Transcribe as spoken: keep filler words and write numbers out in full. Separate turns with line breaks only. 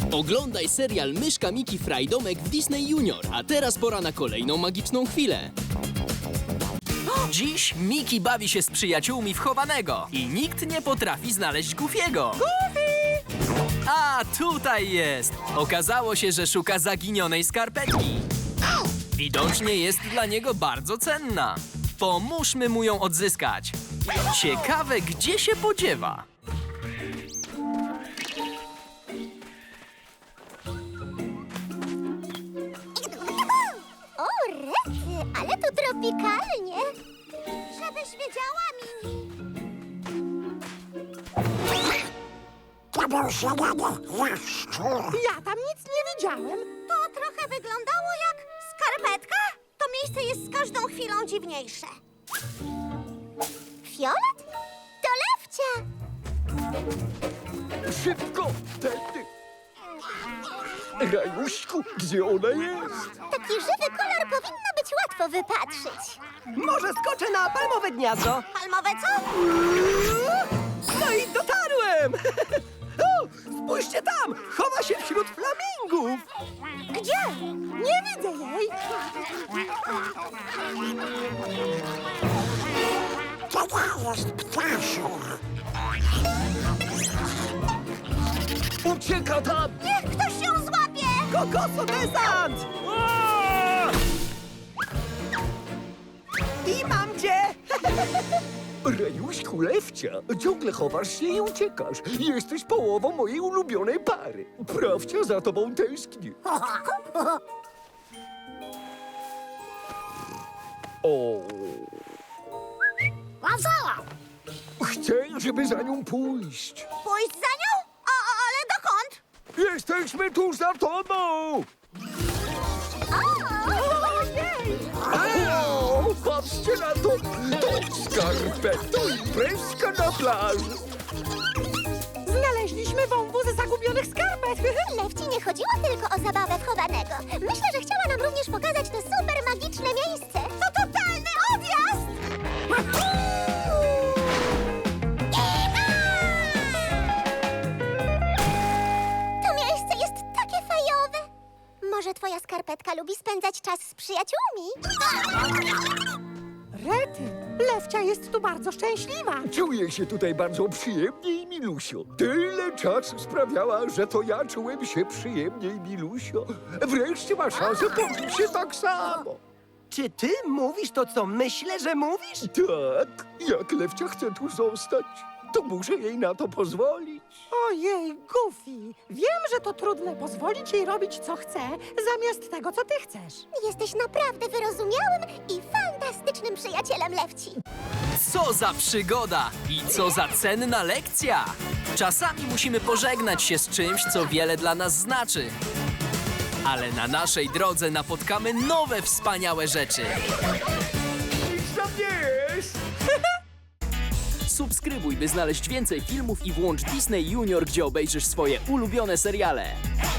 Oglądaj serial Myszka Miki Frajdomek w Disney Junior, a teraz pora na kolejną magiczną chwilę.
Dziś Miki bawi się z przyjaciółmi w chowanego i nikt nie potrafi znaleźć Goofiego. Goofy! A, tutaj jest! Okazało się, że szuka zaginionej skarpetki. Widocznie jest dla niego bardzo cenna. Pomóżmy mu ją odzyskać. Ciekawe, gdzie się podziewa.
O, rety, ale tu tropikalnie. Żebyś wiedziała, Mini.
Ja tam nic nie widziałem.
To trochę wyglądało jak skarpetka. To miejsce jest z każdą chwilą dziwniejsze. Fiolet? To Lewcia.
Szybko! Tędy! Rajuśku, gdzie ona jest?
Taki żywy kolor powinno być łatwo wypatrzyć.
Może skoczę na palmowe gniazdo?
Palmowe co?
No i dotarłem! O, spójrzcie tam! Chowa się wśród flamingów!
Gdzie?
Nie widzę jej!
Ucieka tam!
Niech ktoś ją złapie!
Kokoso desant! I mam cię!
Rajuśku, Lewcia, ciągle chowasz się i uciekasz. Jesteś połową mojej ulubionej pary. Prawcia za tobą tęskni. O. Chcę, żeby za nią pójść.
Pójść za nią? O, o, ale dokąd?
Jesteśmy tuż za tobą!
Ojej!
O, patrzcie na to! To skarpeto imprezka na plaży!
Znaleźliśmy wąwóz zagubionych skarpet!
Lewci nie chodziło tylko o zabawę w chowanego. Myślę, że chciała nam również pokazać to super magiczne miejsce. To totalny odjazd! To miejsce jest takie fajowe. Może twoja skarpetka lubi spędzać czas z przyjaciółmi?
Rety, Lewcia jest tu bardzo szczęśliwa.
Czuję się tutaj bardzo przyjemnie i milusio. Tyle czasu sprawiała, że to ja czułem się przyjemnie i milusio. Wreszcie ma szansę poczuć się tak samo.
Czy ty mówisz to, co myślę, że mówisz?
Tak, jak Lewcia chce tu zostać, to muszę jej na to pozwolić.
Ojej, Goofy, wiem, że to trudne pozwolić jej robić, co chce, zamiast tego, co ty chcesz.
Jesteś naprawdę wyrozumiałym i fantastycznym przyjacielem Lewci.
Co za przygoda i co za cenna lekcja! Czasami musimy pożegnać się z czymś, co wiele dla nas znaczy. Ale na naszej drodze napotkamy nowe wspaniałe rzeczy.
Nic tam nie jest!
Subskrybuj, by znaleźć więcej filmów i włącz Disney Junior, gdzie obejrzysz swoje ulubione seriale.